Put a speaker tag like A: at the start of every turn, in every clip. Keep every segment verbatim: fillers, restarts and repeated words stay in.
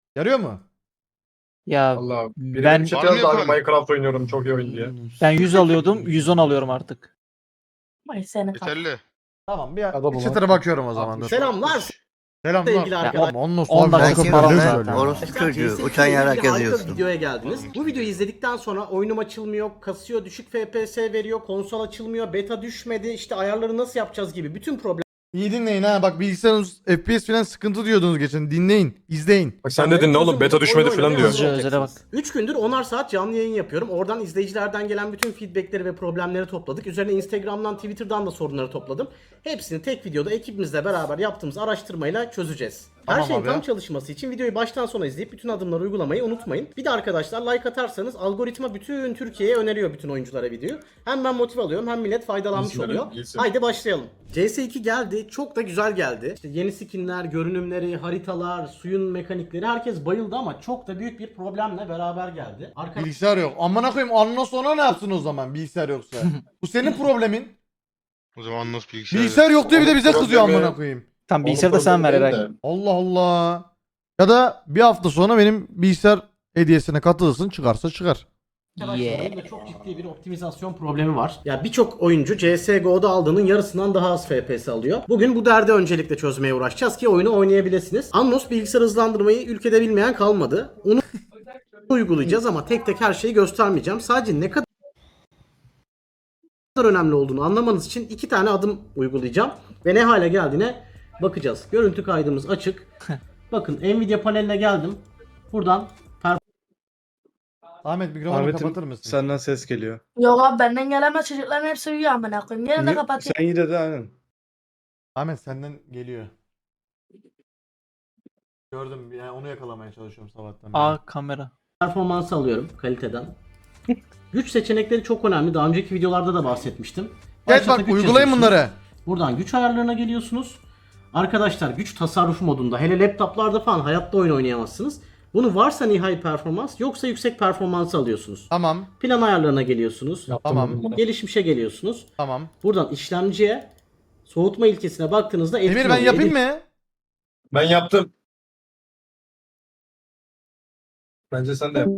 A: Yarıyor mu?
B: Ya
C: Allah. Biri
B: ben
C: benim chat'e yazdı abi Minecraft oynuyorum çok iyi oyun diye.
B: ben yüz alıyordum, yüz on alıyorum artık.
D: Ay seni kap.
E: Yeterli.
A: Tamam bir
C: Adamım
A: bir chat'e bakıyorum o zaman. dur.
F: Selamlar
A: Selamlar.
F: sevgili
A: Ya,
F: arkadaşlar.
A: oğlum, onunla
B: on
A: sonra
B: dakika
A: dakika
B: para
A: böyle
B: zaten.
A: söylüyor.
G: Orospu çocuğu.
F: C S G O
G: Uçan
F: ile
G: yarak
F: ilgili harika
G: yazıyorsun.
F: bir videoya geldiniz. Bu videoyu izledikten sonra oyunum açılmıyor, kasıyor, düşük F P S veriyor, konsol açılmıyor, beta düşmedi, işte ayarları nasıl yapacağız gibi bütün problem.
A: İyi dinleyin ha bak bilgisayarınız F P S falan sıkıntı diyordunuz geçen. Dinleyin, izleyin.
C: Bak sen dedin ne oğlum beta düşmedi falan diyor.
B: Hızlıca özele bak.
F: üç gündür onar saat canlı yayın yapıyorum. Oradan izleyicilerden gelen bütün feedbackleri ve problemleri topladık. Üzerine Instagram'dan, Twitter'dan da sorunları topladım. Hepsini tek videoda ekibimizle beraber yaptığımız araştırmayla çözeceğiz. Her
A: Tamam
F: şeyin
A: abi.
F: tam çalışması için videoyu baştan sona izleyip bütün adımları uygulamayı unutmayın. Bir de arkadaşlar like atarsanız algoritma bütün Türkiye'ye öneriyor bütün oyunculara videoyu. Hem ben motive alıyorum hem millet faydalanmış
C: İyisin,
F: oluyor.
C: iyisin.
F: Haydi başlayalım. C S iki geldi. Çok da güzel geldi. İşte yeni skinler, görünümleri, haritalar, suyun mekanikleri herkes bayıldı ama çok da büyük bir problemle beraber geldi. Arka
A: Bilgisayar yok. Amına koyayım ondan sonra ne yapsın o zaman bilgisayar yoksa? Bu senin problemin.
E: O zaman nasıl bilgisayar?
A: Bilgisayar yok diye bir de bize
C: Problemi-
A: kızıyor amına koyayım.
B: Tam bilgisayarı da sen ver herhalde.
A: Allah Allah. Ya da bir hafta sonra benim bilgisayar hediyesine katılırsın çıkarsa çıkar.
F: Arkadaşlarım da çok ciddi bir optimizasyon problemi var. Ya birçok oyuncu C S G O'da aldığının yarısından daha az F P S alıyor. Bugün bu derdi öncelikle çözmeye uğraşacağız ki oyunu oynayabilirsiniz. Annos bilgisayar hızlandırmayı ülkede bilmeyen kalmadı. Onu uygulayacağız ama tek tek her şeyi göstermeyeceğim. Sadece ne kadar önemli olduğunu anlamanız için iki tane adım uygulayacağım ve ne hale geldiğine bakacağız. Görüntü kaydımız açık. Bakın Nvidia paneline geldim. Buradan
A: Ahmet mikrofonu
H: Ahmet'im
A: kapatır mısın?
H: senden ses geliyor.
D: Yok abi benden gelemez, çocukların hepsi uyuyor amına koyayım. Yine de
H: Ni-
D: kapatayım.
H: Sen yine de aynen.
A: Ahmet senden geliyor. Gördüm yani onu yakalamaya çalışıyorum sabahtan. beri.
B: A kamera.
F: performansı alıyorum kaliteden. Güç seçenekleri çok önemli. Daha önceki videolarda da bahsetmiştim.
A: Gel
F: Başlata
A: bak
F: güç
A: uygulayın
F: yazıyorsunuz.
A: bunları.
F: Buradan güç ayarlarına geliyorsunuz. Arkadaşlar güç tasarrufu modunda. Hele laptoplarda falan hayatta oyun oynayamazsınız. Bunu varsa nihai performans yoksa yüksek performansı alıyorsunuz.
A: Tamam
F: Plan ayarlarına geliyorsunuz.
A: tamam
F: Gelişmişe geliyorsunuz.
A: tamam.
F: Buradan işlemciye soğutma ilkesine baktığınızda etkin
A: Emir ben
F: oluyor.
A: yapayım
F: Edil-
A: mı?
C: Ben yaptım. Bence sen de yap.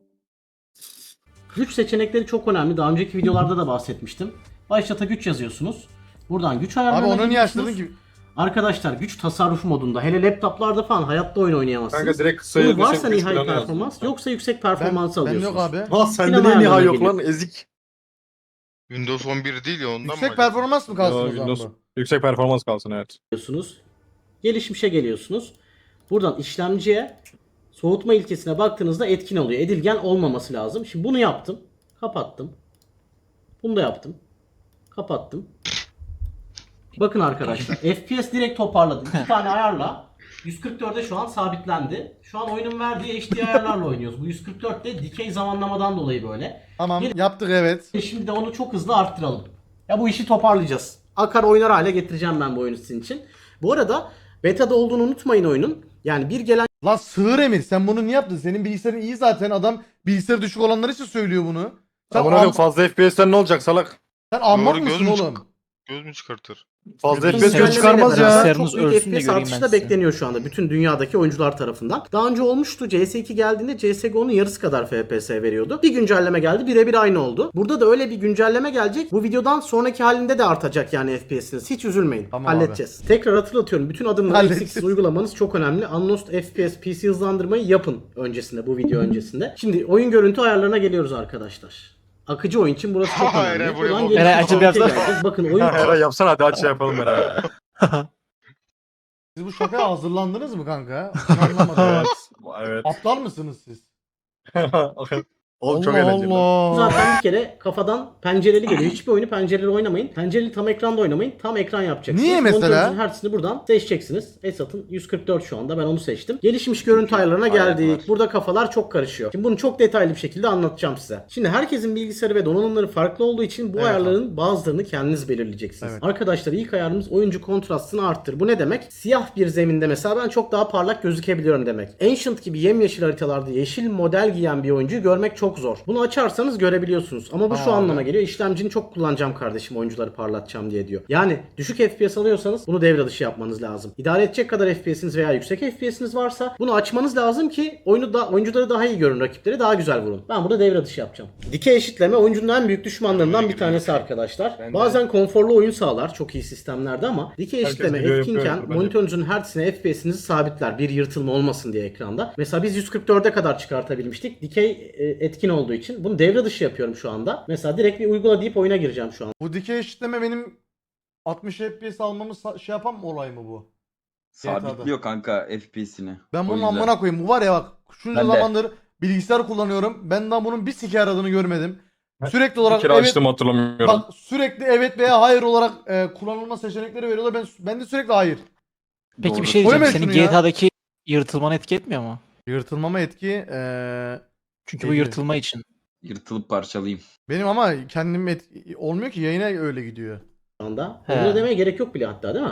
F: Güç seçenekleri çok önemli. Daha önceki videolarda da bahsetmiştim. Başlata güç yazıyorsunuz. Buradan güç ayarlarına
A: Abi onu niye
F: geliyorsunuz.
A: açtırdın ki?
F: Arkadaşlar güç tasarrufu modunda. Hele laptoplarda falan hayatta oyun oynayamazsınız.
C: Kanka direkt
F: Bunu
C: sayı
F: varsa
C: güç
F: nihai
C: planı
F: performans
C: yazdım.
F: yoksa yüksek
A: Ben,
F: performansı
A: ben
F: alıyorsunuz.
A: yok abi.
C: Ha sende
F: Plan
C: ne
F: ayarlarına
C: nihai yok
F: geliyor.
C: lan ezik.
E: Windows on bir değil ya ondan mı?
A: Yüksek
E: acaba?
A: performans mı kalsın
C: Yo,
A: o zaman
C: Windows-
A: bu?
C: Yüksek performans kalsın evet.
F: Geliyorsunuz. Gelişmişe geliyorsunuz. Buradan işlemciye soğutma ilkesine baktığınızda etkin oluyor. Edilgen olmaması lazım. Şimdi bunu yaptım. Kapattım. Bunu da yaptım. Kapattım. Bakın arkadaşlar. F P S direkt toparladım. İki tane ayarla. yüz kırk dörde şu an sabitlendi. Şu an oyunun verdiği H D ayarlarla oynuyoruz. Bu yüz kırk dörtte dikey zamanlamadan dolayı böyle.
A: Tamam yaptık evet.
F: E Şimdi de onu çok hızlı arttıralım. Ya bu işi toparlayacağız. Akar oynar hale getireceğim ben bu oyunu sizin için. Bu arada beta'da olduğunu unutmayın oyunun. Yani bir gelen
A: Lan sığır Emir sen bunu niye yaptın? Senin bilgisayarın iyi zaten adam bilgisayarı düşük olanlar için söylüyor bunu. Sen,
C: Amına
A: am-
C: koyayım fazla F P S'ten ne olacak salak?
A: sen ahmak
E: Doğru,
A: mısın
E: göz mü
A: oğlum?
E: Göz mü çıkartır?
C: Fazla F P S
F: Güncellemeyle
C: göz çıkarmaz
F: beraber
C: ya.
B: Bilgisayarınız
F: çok büyük
B: ölsün de
F: F P S
B: göreyim
F: artışı
B: ben
F: da
B: size.
F: bekleniyor şu anda bütün dünyadaki oyuncular tarafından. Daha önce olmuştu C S iki geldiğinde C S G O'nun yarısı kadar F P S veriyordu. Bir güncelleme geldi birebir aynı oldu. Burada da öyle bir güncelleme gelecek. Bu videodan sonraki halinde de artacak yani F P S'iniz. Hiç üzülmeyin.
A: Tamam
F: Halledeceğiz. Tekrar hatırlatıyorum. Bütün adımları
A: Halledeceğiz.
F: eksiksiz uygulamanız çok önemli. Unlost F P S P C hızlandırmayı yapın öncesinde bu video öncesinde. Şimdi oyun görüntü ayarlarına geliyoruz arkadaşlar. Akıcı oyun için burası çok
E: Hayır,
F: önemli.
E: buraya
F: Buradan
E: bak.
F: gelişmiş
B: Eray, açıp
F: şekilde
B: yapsana.
F: geleceğiz. Bakın oyun
C: Eray yapsana hadi aç şey yapalım beraber.
A: Siz bu şakaya hazırlandınız mı kanka? Ben anlamadım.
C: evet. Evet.
A: Aptal mısınız siz?
C: Oğlum çok
A: Allah
C: eğlenceli.
A: Allah.
F: Zaten bir kere kafadan pencereli geliyor. Hiçbir oyunu pencereli oynamayın. Pencereli tam ekranda oynamayın. Tam ekran yapacaksınız.
A: Niye mesela?
F: Monitörünüzün hertzini buradan seçeceksiniz. Esat'ın yüz kırk dört şu anda. Ben onu seçtim. Gelişmiş görüntü ayarlarına geldik.
C: Ayarlar.
F: Burada kafalar çok karışıyor. Şimdi bunu çok detaylı bir şekilde anlatacağım size. Şimdi herkesin bilgisayarı ve donanımları farklı olduğu için bu
A: Evet
F: ayarların bazılarını kendiniz belirleyeceksiniz.
A: Evet.
F: Arkadaşlar ilk ayarımız oyuncu kontrastını arttır. Bu ne demek? Siyah bir zeminde mesela ben çok daha parlak gözükebiliyorum demek. Ancient gibi yemyeşil haritalarda yeşil model giyen bir oyuncuyu görmek çok çok zor. Bunu açarsanız görebiliyorsunuz. Ama bu şu
A: Aa.
F: anlama geliyor. İşlemcini çok kullanacağım kardeşim oyuncuları parlatacağım diye diyor. Yani düşük F P S alıyorsanız bunu devre dışı yapmanız lazım. İdare edecek kadar F P S'iniz veya yüksek F P S'iniz varsa bunu açmanız lazım ki oyunu da oyuncuları daha iyi görün, rakipleri daha güzel vurun. Ben burada devre dışı yapacağım. Dikey eşitleme oyuncunun en büyük düşmanlarından bir tanesi arkadaşlar.
G: Ben de-
F: Bazen konforlu oyun sağlar çok iyi sistemlerde ama dikey
C: Herkes
F: eşitleme
C: biliyor,
F: etkinken
C: yapıyor, bence.
F: monitörünüzün hertzine F P S'inizi sabitler. Bir yırtılma olmasın diye ekranda. Mesela biz yüz kırk dörde kadar çıkartabilmiştik. Dikey e, etkin olduğu için. Bunu devre dışı yapıyorum şu anda. Mesela direkt bir uygula deyip oyuna gireceğim şu an.
A: Bu dikey eşitleme benim altmış F P S almamı sa- şey yapan mı olay mı bu? G T A'da.
H: Sabitliyor kanka F P S'ini.
A: Ben
H: O
A: bunun
H: yüzden.
A: amına koyayım. Bu var ya bak. Şunca
H: Ben de.
A: zamandır bilgisayar kullanıyorum. Ben daha bunun bir sike aradığını görmedim. Sürekli olarak
C: Bir kere
A: evet,
C: açtım hatırlamıyorum.
A: bak sürekli evet veya hayır olarak e, kullanılma seçenekleri veriyorlar. Ben ben de sürekli hayır.
B: Peki
H: Doğru.
B: bir şey
A: Koyma
B: diyeceğim. Senin
A: şunu ya.
B: G T A'daki yırtılmanı etki etmiyor mu?
A: Yırtılmama etki eee,
B: Çünkü bu
A: Ediyor.
B: yırtılma için.
H: Yırtılıp parçalayayım.
A: benim ama kendim et, olmuyor ki yayına öyle gidiyor.
F: Şu anda.
B: He.
F: Uygula demeye gerek yok bile hatta değil mi?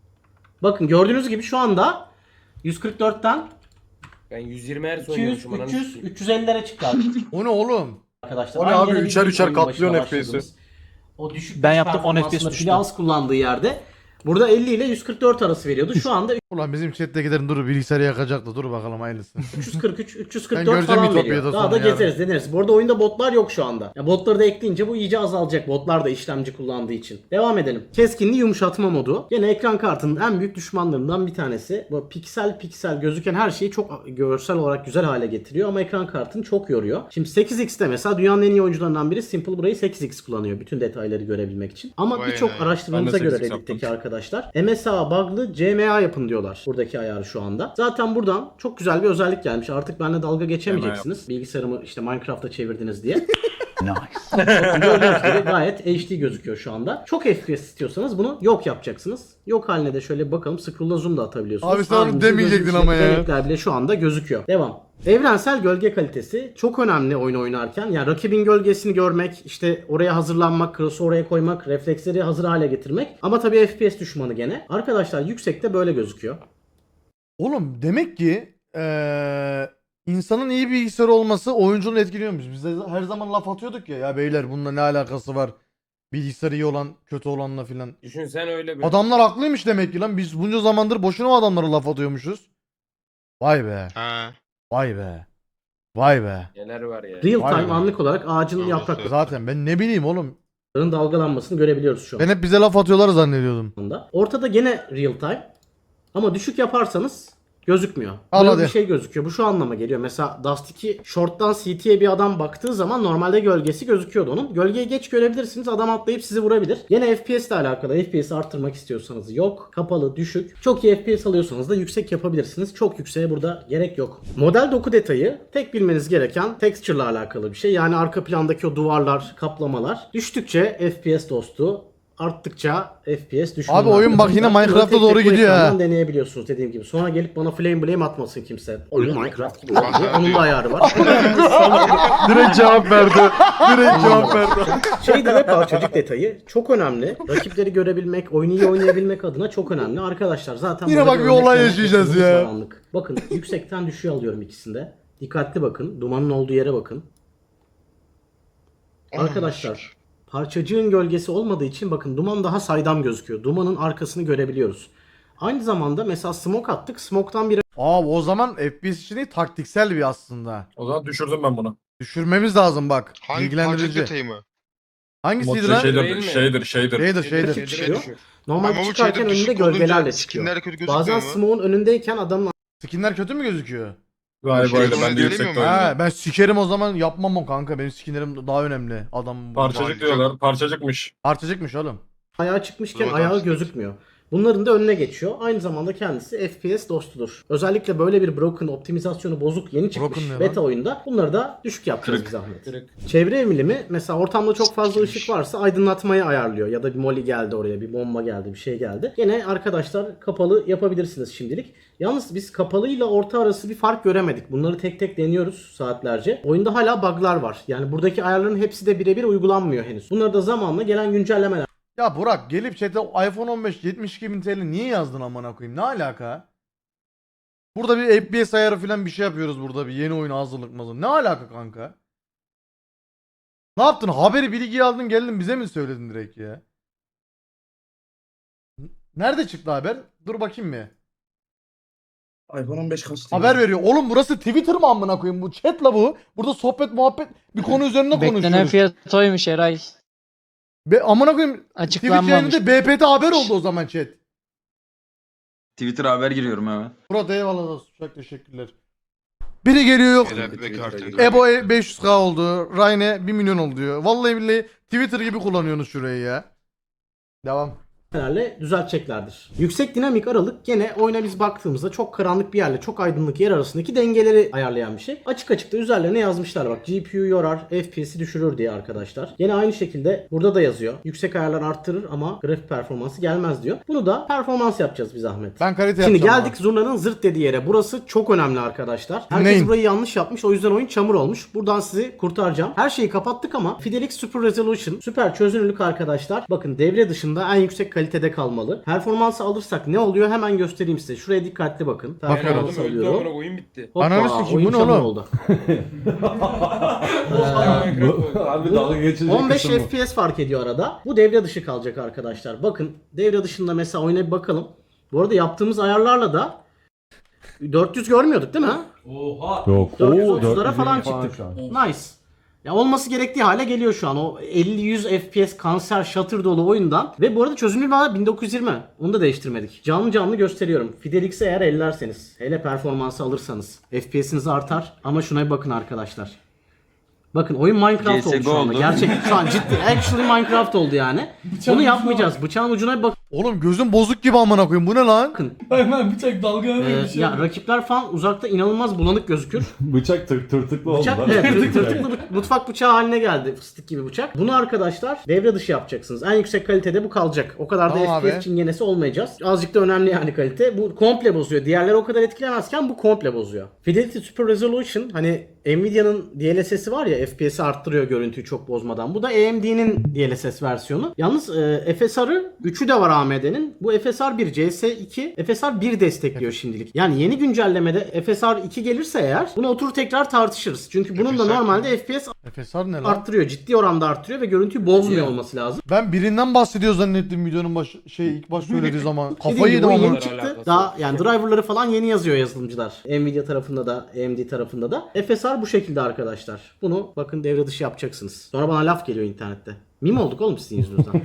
F: Bakın gördüğünüz gibi şu anda yüz kırk dörtten
G: Ben yüz yirmi Hz
F: iki yüz,
G: oynuyormuşum. ananı
F: üç yüz,
G: sikeyim.
F: üç yüz ellilere çıktı abi
A: O ne oğlum?
F: arkadaşlar.
C: O ne
F: Aynı
C: abi?
F: yere
C: Üçer
F: bizim
C: üçer
F: oyun başına
C: katlıyorsun F P S'i.
F: başladığımız O düşük
B: Ben
F: güç
B: yaptım, on F P S
F: performansında
B: düştü.
F: pili az kullandığı yerde burada elli ile yüz kırk dört arası veriyordu. Şu anda
A: Ulan bizim chat'tekilerin dur bilgisayarı yakacaktı. Dur bakalım hayırlısı.
F: üç yüz kırk üç, üç yüz
A: Ben
F: kırk dört
A: göreceğim
F: falan
A: Ütopya'da
F: veriyor. Daha
A: sonra
F: da
A: yarın.
F: gezeriz deneriz. Bu arada oyunda botlar yok şu anda. Ya botları da ekleyince bu iyice azalacak. Botlar da işlemci kullandığı için. Devam edelim. Keskinliği yumuşatma modu. Yine ekran kartının en büyük düşmanlarından bir tanesi. Bu piksel piksel gözüken her şeyi çok görsel olarak güzel hale getiriyor ama ekran kartını çok yoruyor. Şimdi sekiz x'te mesela dünyanın en iyi oyuncularından biri Simple burayı sekiz x kullanıyor. Bütün detayları görebilmek için. Ama
E: Vay
A: şey
E: be.
F: birçok araştırmamıza
C: Ben de
F: göre
C: sekiz x
F: Reddit'teki
C: yaptım.
F: arkadaşlar M S A bug'lı C M A yapın diyorlar. Buradaki ayarı şu anda. Zaten buradan çok güzel bir özellik gelmiş. Artık benimle dalga geçemeyeceksiniz. Bilgisayarımı işte Minecraft'a çevirdiniz diye. Bakın gördüğünüz gibi gayet H D gözüküyor şu anda. Çok F P S istiyorsanız bunu yok yapacaksınız. Yok haline de şöyle bir bakalım. Scroll'la zoom da atabiliyorsunuz.
A: Abi sen onu
F: Abimizin
A: demeyecektin
F: gözünün
A: ama
F: içindeki
A: ya.
F: renkler bile şu anda gözüküyor. Devam. Evrensel gölge kalitesi çok önemli oyun oynarken. Yani rakibin gölgesini görmek, işte oraya hazırlanmak, cross'u oraya koymak, refleksleri hazır hale getirmek. Ama tabii F P S düşmanı gene. Arkadaşlar yüksekte böyle gözüküyor.
A: Oğlum demek ki eee, insanın iyi bir bilgisayar olması oyuncunun etkiliyormuş. Biz de her zaman laf atıyorduk ya. Ya beyler bununla ne alakası var? Bilgisayarı iyi olan kötü olanla filan.
G: Düşün sen öyle bir.
A: Adamlar haklıymış demek ki lan. Biz bunca zamandır boşuna o adamlara laf atıyormuşuz. Vay be.
E: Ha.
A: Vay be. Vay be.
G: Neler var ya.
F: Real
A: Vay
F: time
A: be.
F: anlık olarak ağacın
E: Doğrusu.
F: yapraklarının
A: Zaten ben ne bileyim oğlum.
F: dalgalanmasını görebiliyoruz şu
A: Ben hep bize laf atıyorlar zannediyordum.
F: anda. Ortada gene real time. Ama düşük yaparsanız gözükmüyor.
A: Al
F: Böyle
A: hadi.
F: bir şey gözüküyor. Bu şu anlama geliyor. Mesela Dust iki short'tan C T'ye bir adam baktığı zaman normalde gölgesi gözüküyordu onun. Gölgeyi geç görebilirsiniz. Adam atlayıp sizi vurabilir. Yine F P S ile alakalı. F P S'i arttırmak istiyorsanız yok. Kapalı, düşük. Çok iyi F P S alıyorsanız da yüksek yapabilirsiniz. Çok yükseğe burada gerek yok. Model doku detayı tek bilmeniz gereken texture ile alakalı bir şey. Yani arka plandaki o duvarlar, kaplamalar. Düştükçe F P S dostu, arttıkça F P S düşüyor.
A: Abi oyun bak yine Minecraft'a doğru gidiyor ha.
F: Deneyebiliyorsunuz dediğim gibi. Sonra gelip bana flame blame atmasın kimse. Oyun Minecraft gibi oldu diye. Onun da ayarı var.
C: Direkt cevap verdi. Direkt cevap verdi.
F: Şey de ve parçacık detayı çok önemli. Rakipleri görebilmek, oyunu iyi oynayabilmek adına çok önemli. Arkadaşlar zaten
A: Yine
F: burada
A: bak bir
F: örnek
A: olay
F: vermek
A: yaşayacağız
F: istediğimiz
A: ya.
F: var anlık. Bakın yüksekten düşüğe alıyorum ikisinde. Dikkatli bakın. Dumanın olduğu yere bakın. Arkadaşlar parçacığın gölgesi olmadığı için bakın duman daha saydam gözüküyor. Dumanın arkasını görebiliyoruz. Aynı zamanda mesela smoke attık. Smoke'tan bir
A: Abi o zaman F P S için değil taktiksel bir aslında.
C: O zaman düşürdüm ben bunu.
A: Düşürmemiz lazım bak.
E: Hangi parça
A: Bilgilendirici.
E: detayı mı?
A: Hangisiydi
C: Mod
A: lan?
C: şeydir,
G: Değil mi?
C: şeydir, şeydir.
A: Şeydir şeydir.
F: Rakip çıkıyor. Normal
E: Ama bu
F: çıkarken
E: şeyde
F: önünde
E: düşük
F: gölgelerle
E: olunca
F: çıkıyor.
E: skinler kötü gözükmüyor
F: Bazen
E: mu?
F: smoke'un önündeyken adamın
A: Skinler kötü mü gözüküyor?
C: Galiba
E: Şey,
C: öyle.
E: onu
C: Ben de
E: söylemiyor
C: yüksekte
E: mu?
C: oynadım.
A: Ha, ben sikerim o zaman yapmam o kanka. Benim skinlerim daha önemli. Adam
C: Parçacık diyorlar. Parçacıkmış.
A: Parçacıkmış oğlum.
F: ayağı çıkmışken
E: Dur
F: ayağı
E: bakalım.
F: gözükmüyor. Bunların da önüne geçiyor. Aynı zamanda kendisi F P S dostudur. Özellikle böyle bir broken, optimizasyonu bozuk, yeni çıkmış
A: Broken ne lan?
F: beta oyunda bunları da düşük yapacağız
H: Kırık.
F: bir zahmet.
G: Kırık.
F: Çevre emilimi mesela ortamda çok fazla
E: Sikmiş.
F: ışık varsa aydınlatmayı ayarlıyor. Ya da bir molly geldi oraya, bir bomba geldi, bir şey geldi. Yine arkadaşlar kapalı yapabilirsiniz şimdilik. Yalnız biz kapalı ile orta arası bir fark göremedik. Bunları tek tek deniyoruz saatlerce. Oyunda hala bug'lar var. Yani buradaki ayarların hepsi de birebir uygulanmıyor henüz. Bunları da zamanla gelen güncellemeler
A: Ya Burak gelip chat'e iPhone on beş yetmiş iki bin T L niye yazdın amına koyayım? Ne alaka? Burada bir F P S ayarı falan bir şey yapıyoruz burada bir yeni oyuna hazırlık mı? Ne alaka kanka? Ne yaptın? Haberi bilgiyi aldın geldin bize mi söyledin direkt ya? Nerede çıktı haber? Dur bakayım bir.
I: iPhone on beş kaç?
A: Haber veriyor. Oğlum burası Twitter mı amına koyayım? Bu chat la bu. Burada sohbet muhabbet bir konu üzerinde
B: Beklenen
A: konuşuyoruz.
B: fiyat oymuş Eray.
A: Be, amına koyayım Twitch
B: Açıklanmamış.
A: yayınında B P T haber oldu o zaman chat.
H: Twitter haber giriyorum hemen.
A: Murat eyvallah dostum. Çok teşekkürler. Biri geliyor yok.
E: Helal be kartı.
A: Ebo beş yüz k oldu. Rayne bir milyon oldu diyor. Vallahi billahi Twitter gibi kullanıyorsunuz şurayı ya. Devam.
F: Lerle düzelteceklerdir. Yüksek dinamik aralık gene oyuna biz baktığımızda çok karanlık bir yerle çok aydınlık yer arasındaki dengeleri ayarlayan bir şey. Açık açık da üzerlerine yazmışlar bak G P U yorar, F P S'i düşürür diye arkadaşlar. Gene aynı şekilde burada da yazıyor. Yüksek ayarlar arttırır ama grafik performansı gelmez diyor. Bunu da performans yapacağız bir zahmet.
A: Ben kalite
F: Şimdi
A: yapacağım
F: geldik zurnanın zırt dediği yere. Burası çok önemli arkadaşlar. Herkes
A: Neyim?
F: burayı yanlış yapmış. O yüzden oyun çamur olmuş. Buradan sizi kurtaracağım. Her şeyi kapattık ama Fidelix Super Resolution, süper çözünürlük arkadaşlar. Bakın devre dışında en yüksek kalitede kalmalı. Performansı alırsak ne oluyor? Hemen göstereyim size. Şuraya dikkatli bakın.
G: Ben
F: Performansı
G: aldım öldü
F: alıyorum.
G: amına oyun bitti.
F: Hoppa,
A: Ananı sikeyim,
F: oyun
A: bu ne
F: çamur
A: oğlum?
F: oldu.
I: Abi dalga geçecek
F: on beş
I: kısım bu.
F: F P S fark ediyor arada. Bu devre dışı kalacak arkadaşlar. Bakın devre dışında mesela oyuna bir bakalım. Bu arada yaptığımız ayarlarla da dört yüz görmüyorduk değil mi?
I: Yok.
F: dört yüz
I: Oo,
F: otuzlara
I: dört yüz
F: falan
I: elli
F: çıktık.
I: şu an.
F: Nice. Ya olması gerektiği hale geliyor şu an. O elli yüz F P S kanser şatır dolu oyundan. Ve bu arada çözünürlüğü hala bin dokuz yüz yirmi. Onu da değiştirmedik. Canlı canlı gösteriyorum. Fidelix'e eğer ellerseniz. Hele performansı alırsanız. F P S'iniz artar. Ama şuna bir bakın arkadaşlar. Bakın oyun Minecraft
H: C S
F: oldu şu anda.
H: oldu.
F: Gerçek şu an ciddi. Actually Minecraft oldu yani. Bunu yapmayacağız. Bıçağın ucuna bir
A: Oğlum gözüm bozuk gibi amına koyayım. Bu ne lan?
F: bakın.
I: Hemen bıçak dalga
F: Ee, ya rakipler falan uzakta inanılmaz bulanık gözükür.
I: Bıçak tır, tırtıklı oldu.
F: Bıçak
I: lan.
F: evet, tır- tırtıklı bı- mutfak bıçağı haline geldi. Fıstık gibi bıçak. Bunu arkadaşlar devre dışı yapacaksınız. En yüksek kalitede bu kalacak. O kadar da
A: Tamam
F: F P S
A: abi.
F: çingenesi olmayacağız. Azıcık da önemli yani kalite. Bu komple bozuyor. Diğerleri o kadar etkilemezken bu komple bozuyor. Fidelity Super Resolution hani Nvidia'nın D L S S'i var ya F P S'i arttırıyor görüntüyü çok bozmadan. Bu da A M D'nin D L S S versiyonu. Yalnız e, F S R'ı üçü de var A M D'nin. Bu F S R bir, C S iki, F S R bir destekliyor şimdilik. Yani yeni güncellemede F S R iki gelirse eğer bunu oturup tekrar tartışırız. Çünkü bunun da
E: F S R
F: normalde F P S
A: F S R ne lan?
F: arttırıyor. Ciddi oranda arttırıyor ve görüntüyü bozmuyor olması lazım.
A: Ben birinden bahsediyor zannettim videonun baş şey ilk baş söylediği zaman.
F: Dediğim
A: Kafayı
F: gibi
A: yedim
F: bu
A: ama.
F: yeni
G: Bunlar
F: çıktı.
G: alakası
F: Daha
G: yok.
F: yani driverları falan yeni yazıyor yazılımcılar. Nvidia tarafında da A M D tarafında da. F S R bu şekilde arkadaşlar. Bunu bakın devre dışı yapacaksınız. Sonra bana laf geliyor internette. Meme olduk oğlum sizin yüzünüzden.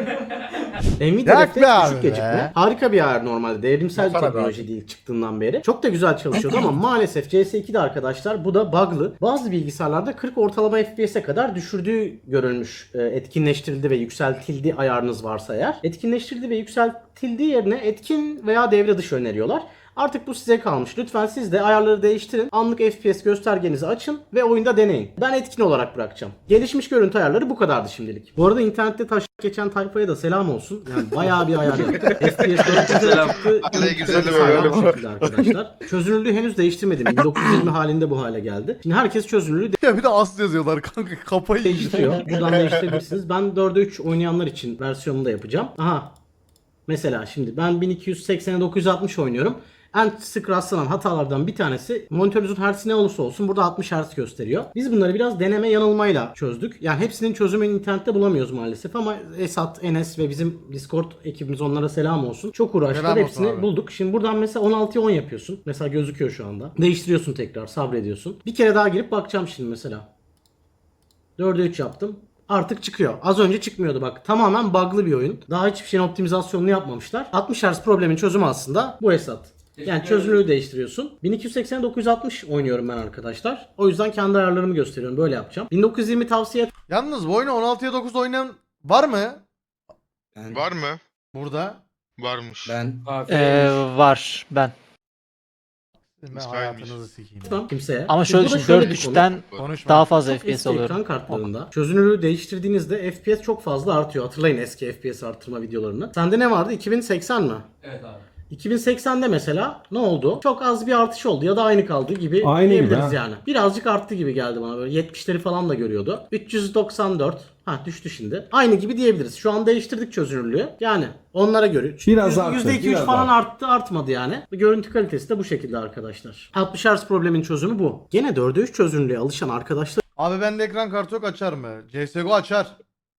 F: Nvidia
A: Yak be
F: Reflex
A: abi
F: düşük
A: be.
F: gecikme. Harika bir ayar normalde. Devrimsel bir teknoloji değil çıktığından beri. Çok da güzel çalışıyordu ama maalesef C S iki'de arkadaşlar bu da bug'lı. Bazı bilgisayarlarda kırk ortalama F P S'e kadar düşürdüğü görülmüş. E, Etkinleştirildi ve yükseltildi ayarınız varsa eğer. Etkinleştirildi ve yükseltildiği yerine etkin veya devre dışı öneriyorlar. Artık bu size kalmış. Lütfen siz de ayarları değiştirin. Anlık F P S göstergenizi açın ve oyunda deneyin. Ben etkin olarak bırakacağım. Gelişmiş görüntü ayarları bu kadardı şimdilik. Bu arada internette taş geçen tayfaya da selam olsun. Yani bayağı bir ayar yaptık. F P S dört yüze
H: Selam.
F: çıktı.
E: Aleykümselam.
F: Hala bu şekilde arkadaşlar. Çözünürlüğü henüz değiştirmedim. bin dokuz yüz yirmi halinde bu hale geldi. Şimdi herkes çözünürlüğü
A: Ya bir de as yazıyorlar kanka kafayı yiyeceğim.
F: değiştiriyor. Buradan değiştirebilirsiniz. Ben dörde üç oynayanlar için versiyonunu da yapacağım. Aha. Mesela şimdi ben bin iki yüz seksene dokuz yüz altmış oynuyorum. En sık rastlanan hatalardan bir tanesi monitörünüzün hertzi ne olursa olsun burada altmış hertz gösteriyor. Biz bunları biraz deneme yanılmayla çözdük. Yani hepsinin çözümünü internette bulamıyoruz maalesef ama Esat, Enes ve bizim Discord ekibimiz onlara selam olsun. Çok uğraştılar.
A: Selam olsun
F: Hepsini
A: abi.
F: bulduk. Şimdi buradan mesela on altıya on yapıyorsun. Mesela gözüküyor şu anda. Değiştiriyorsun tekrar, sabrediyorsun. Bir kere daha girip bakacağım şimdi mesela. dörde üç yaptım. Artık çıkıyor. Az önce çıkmıyordu bak. Tamamen bug'lı bir oyun. Daha hiçbir şeyin optimizasyonunu yapmamışlar. altmış hertz problemin çözümü aslında bu Esat. Yani çözünürlüğü değiştiriyorsun. bin iki yüz seksen dokuz yüz altmış oynuyorum ben arkadaşlar. O yüzden kendi ayarlarımı gösteriyorum. Böyle yapacağım. bin dokuz yüz yirmi tavsiye
A: Yalnız bu oyunu on altıya dokuz oynayan var mı?
I: Ben,
E: Var mı?
A: Burada.
E: Varmış.
I: ben
B: Ee, var ben.
A: Ben
E: İsmail'miş.
A: hayatınızı sikeyim.
F: etmem kimseye.
B: Ama şöyle
F: Bu da
B: düşün
F: şöyle
B: dört
F: bir konu.
B: üçten
A: Konuşma.
B: daha fazla
F: Çok
B: F P S
F: eski
B: alıyorum.
F: ekran kartlarında çözünürlüğü değiştirdiğinizde F P S çok fazla artıyor. Hatırlayın eski F P S artırma videolarını. Sende ne vardı? iki bin seksen mi?
G: Evet abi.
F: iki bin seksende mesela ne oldu? Çok az bir artış oldu ya da aynı kaldı gibi
I: Aynı gibi
F: diyebiliriz
I: ha.
F: yani. Birazcık arttı gibi geldi bana böyle yetmişleri falan da görüyordu. üç yüz doksan dört ha düştü şimdi. Aynı gibi diyebiliriz. Şu an değiştirdik çözünürlüğü. Yani onlara göre
I: Biraz arttı,
F: yüzde iki üç
I: biraz
F: falan
I: arttı.
F: arttı artmadı yani. Görüntü kalitesi de bu şekilde arkadaşlar. altmış hertz problemin çözümü bu. Gene dörde üç çözünürlüğe alışan arkadaşlar
A: Abi bende ekran kartı yok, açar mı? C S G O açar.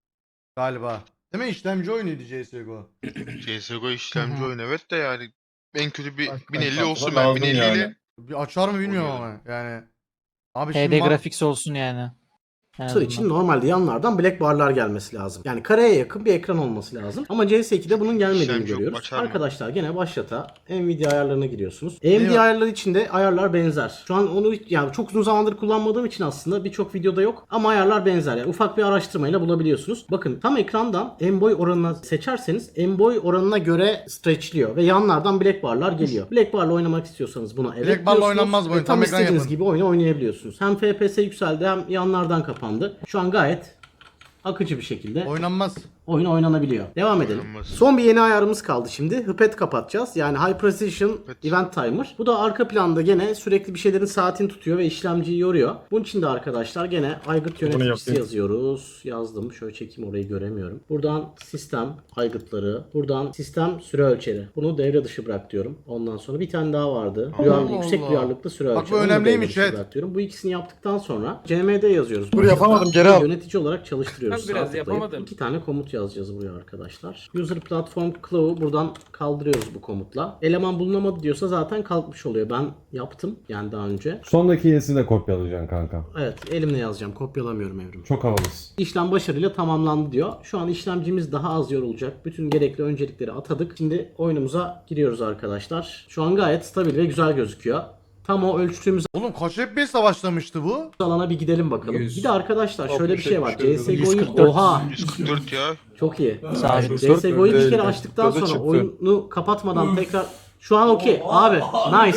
A: Galiba. Değil mi? İşlemci oyunuydu C S G O.
E: C S G O işlemci
B: Hı hı.
E: oyun evet de yani en kötü bir
I: Bak,
E: bin elli
I: bak,
E: olsun,
I: bak,
E: ben
I: lazım
E: bin elli ile
I: yani.
A: Bir açar mı bilmiyorum
E: Oynuyorum.
A: ama yani. Abi
B: H
A: şimdi
B: D
A: ma-
B: Graphics olsun yani. En
F: Tır için
B: azından.
F: normalde yanlardan black barlar gelmesi lazım. Yani kareye yakın bir ekran olması lazım. Ama C S iki'de bunun gelmediğini
E: İşlemci yok,
F: görüyoruz.
E: açar mı?
F: Arkadaşlar gene başlata Nvidia ayarlarına giriyorsunuz. A M D
A: yok?
F: ayarları için de ayarlar benzer. Şu an onu yani çok uzun zamandır kullanmadığım için aslında birçok videoda yok. Ama ayarlar benzer. Yani ufak bir araştırmayla bulabiliyorsunuz. Bakın tam ekrandan en boy oranına seçerseniz en boy oranına göre stretchliyor. Ve yanlardan black barlar geliyor. Black barla oynamak istiyorsanız buna evet
A: Black barla
F: diyorsunuz.
A: oynanmaz bu
F: Ve
A: oyun.
F: Tam
A: Tam ekran
F: istediğiniz
A: yapın.
F: gibi oyunu oynayabiliyorsunuz. Hem F P S yükseldi hem yanlardan kapandı. Şu an gayet akıcı bir şekilde
A: oynanmaz.
F: oyun oynanabiliyor. Devam edelim.
E: Oynanmaz.
F: Son bir yeni ayarımız kaldı şimdi. Hıpet kapatacağız. Yani High Precision
E: Hıpet.
F: Event Timer. Bu da arka planda gene sürekli bir şeylerin saatini tutuyor ve işlemciyi yoruyor. Bunun için de arkadaşlar gene aygıt yöneticisi
I: yapayım.
F: yazıyoruz. Yazdım. Şöyle çekeyim, orayı göremiyorum. Buradan sistem aygıtları. Buradan sistem süre ölçeri. Bunu devre dışı bırak diyorum. Ondan sonra bir tane daha vardı.
A: Allah
F: Duyarlı, yüksek
A: Allah.
F: duyarlılıklı süre
A: Bak bu
F: ölçeri. Onu da
A: önemliymiş,
F: devre dışı
A: evet.
F: bırak diyorum. Bu ikisini yaptıktan sonra C M D yazıyoruz.
A: Dur,
F: Burada
A: yapamadım, geri al.
F: Yönetici olarak çalıştırıyoruz.
G: Ben biraz
F: Sağ tıklayıp
G: yapamadım.
F: İki tane komut yazacağız buraya arkadaşlar. User Platform Claw'u buradan kaldırıyoruz bu komutla. Eleman bulunamadı diyorsa zaten kalkmış oluyor. Ben yaptım yani daha önce.
I: Sondaki yenisini de kopyalayacaksın kanka.
F: Evet, elimle yazacağım. Kopyalamıyorum Evrim.
I: Çok havalısın.
F: İşlem başarıyla tamamlandı diyor. Şu an işlemcimiz daha az yorulacak. Bütün gerekli öncelikleri atadık. Şimdi oyunumuza giriyoruz arkadaşlar. Şu an gayet stabil ve güzel gözüküyor. Tam o ölçtüğümüz
A: Oğlum kaç F P S savaşlamıştı bu?
F: alana bir gidelim bakalım.
G: yüz.
F: Bir de arkadaşlar şöyle bir şey var.
I: altmış,
F: C S G O'yu
B: yüz kırk dört.
F: oha
E: yüz kırk dört ya.
F: çok iyi.
B: Sabit.
F: C S G O'yu bir kere
I: Öyle.
F: açtıktan
I: Tadı
F: sonra
I: çıktı.
F: oyunu kapatmadan tekrar şu an okey abi, nice.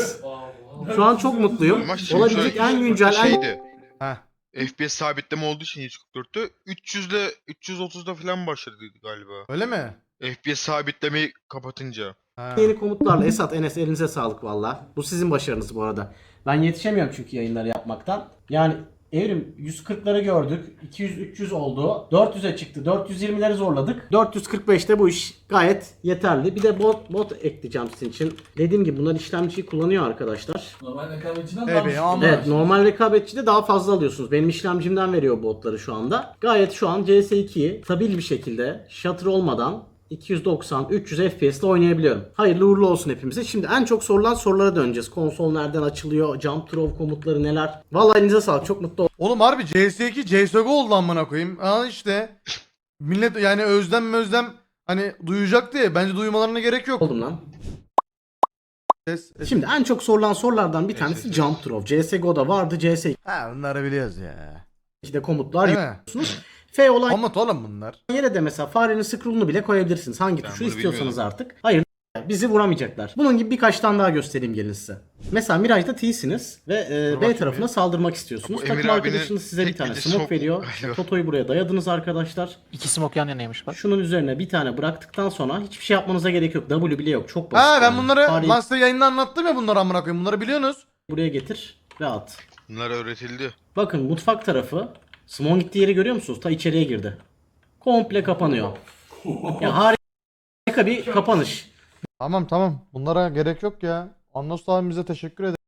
F: Şu an çok mutluyum.
E: Ama şimdi
F: Olabilecek
E: şöyle
F: en güncel en
E: şeydi.
A: Heh.
E: F P S sabitleme olduğu için yüz kırk dörtte üç yüzle üç yüz otuzda falan başladı galiba.
A: Öyle mi?
E: F P S sabitlemeyi kapatınca.
A: Ha.
F: yeni komutlarla Esat, Enes elinize sağlık valla. Bu sizin başarınız bu arada. Ben yetişemiyorum çünkü yayınları yapmaktan. Yani Evrim yüz kırkları gördük. iki yüz üç yüz oldu. dört yüze çıktı. dört yüz yirmileri zorladık. dört yüz kırk beşte bu iş gayet yeterli. Bir de bot bot ekleyeceğim sizin için. Dediğim gibi bunlar işlemciyi kullanıyor arkadaşlar.
I: Normal rekabetçiden
A: Evet,
I: daha
A: ama-
F: Evet, normal rekabetçide daha fazla alıyorsunuz. Benim işlemcimden veriyor botları şu anda. Gayet şu an C S ikiyi stabil bir şekilde shutter olmadan iki yüz doksan üç yüz F P S ile oynayabiliyorum. Hayırlı uğurlu olsun hepimize. Şimdi en çok sorulan sorulara döneceğiz. Konsol nereden açılıyor? Jump throw komutları neler? Vallahi elinize sağlık. Çok mutlu
A: Oğlum harbi C S iki C S G O oldu amına koyayım. Aa işte. Millet yani özlem özlem hani duyacak diye bence duymalarına gerek yok.
F: oldum lan.
A: Ses, ses.
F: Şimdi en çok sorulan sorulardan bir tanesi jump throw. C S G O'da vardı. C S
A: Ha bunları biliyoruz ya.
F: iki'de komutlar
A: Değil mi?
F: yüklüyorsunuz. F olan
A: Komut oğlum bunlar.
F: yere de mesela farenin scroll'unu bile koyabilirsiniz. Hangi
E: Ben
F: tuşu
E: bunu
F: istiyorsanız
E: bilmiyordum.
F: artık. Hayır, bizi vuramayacaklar. Bunun gibi birkaç tane daha göstereyim gelin size. Mesela Mirage'da T'siniz ve e,
A: Dur
F: B
A: bakayım
F: tarafına
A: bir.
F: saldırmak istiyorsunuz.
E: Bu Emir
F: Takım
E: abinin
F: arkadaşınız size bir
E: tek
F: tane
E: bildiği
F: smoke
E: sok-
F: veriyor.
E: galiba.
F: Toto'yu buraya dayadınız arkadaşlar.
B: İki smoke yan yanaymış bak.
F: Şunun üzerine bir tane bıraktıktan sonra hiçbir şey yapmanıza gerek yok. W bile yok. Çok basit.
A: Ha ben
F: yani.
A: bunları
F: Fareyi
A: lan size yayında anlattım ya bunları amına koyayım. Bunları biliyorsunuz.
F: buraya getir ve at.
E: Bunlar öğretildi.
F: Bakın mutfak tarafı. Smoke gittiği yeri görüyor musunuz? Ta içeriye girdi. Komple kapanıyor. Ya harika bir kapanış.
A: Tamam tamam. Bunlara gerek yok ya. Anlos abimize teşekkür ederim.